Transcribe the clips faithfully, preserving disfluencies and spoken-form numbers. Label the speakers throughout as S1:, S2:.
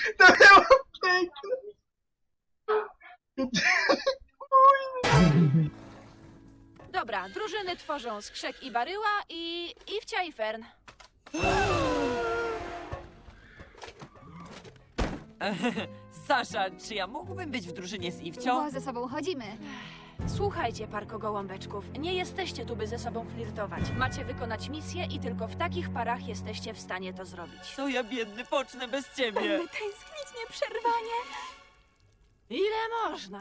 S1: To było piękne.
S2: Dobra, drużyny tworzą Skrzek i Baryła i Iwcia i Fern.
S3: Sasza, czy ja mógłbym być w drużynie z Iwcią?
S4: Bo ze sobą chodzimy.
S2: Słuchajcie, parko gołąbeczków, nie jesteście tu, by ze sobą flirtować. Macie wykonać misję i tylko w takich parach jesteście w stanie to zrobić.
S3: Co ja biedny pocznę bez ciebie?
S4: Tęsknić nieprzerwanie.
S2: Ile można?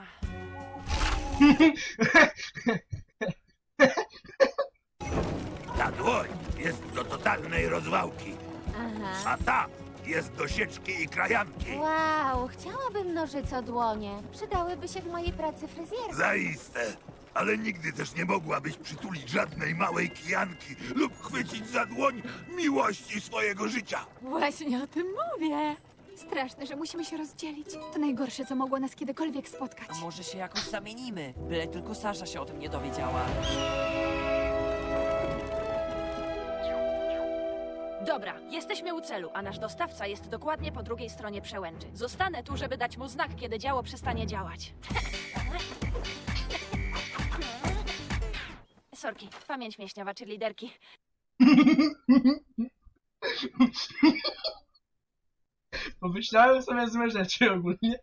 S5: Ta dłoń jest do totalnej rozwałki,
S6: Aha.
S5: a ta jest do sieczki i krajanki.
S6: Wow, chciałabym nożyco dłonie. Przydałyby się w mojej pracy fryzjerki.
S5: Zaiste. Ale nigdy też nie mogłabyś przytulić żadnej małej kijanki lub chwycić za dłoń miłości swojego życia.
S4: Właśnie o tym mówię. Straszne, że musimy się rozdzielić. To najgorsze, co mogło nas kiedykolwiek spotkać.
S3: A może się jakoś zamienimy? Byle tylko Sasza się o tym nie dowiedziała.
S2: Dobra, jesteśmy u celu, a nasz dostawca jest dokładnie po drugiej stronie przełęczy. Zostanę tu, żeby dać mu znak, kiedy działo przestanie działać. Sorki, pamięć mięśniowa czy liderki.
S1: Pomyślałem sobie złe rzeczy ogólnie.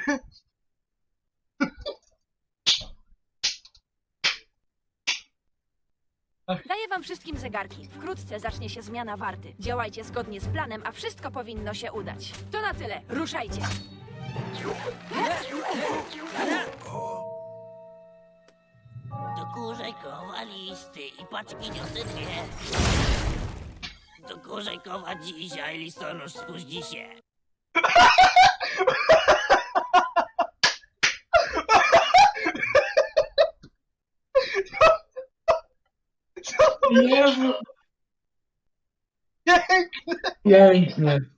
S2: Daję wam wszystkim zegarki. Wkrótce zacznie się zmiana warty. Działajcie zgodnie z planem, a wszystko powinno się udać. To na tyle. Ruszajcie.
S7: Do Kurzejkowa listy i paczki niosę dwie. Do Kurzejkowa dzisiaj listonosz spóźni się.
S1: Jezu. Piękne.
S8: Pięknie.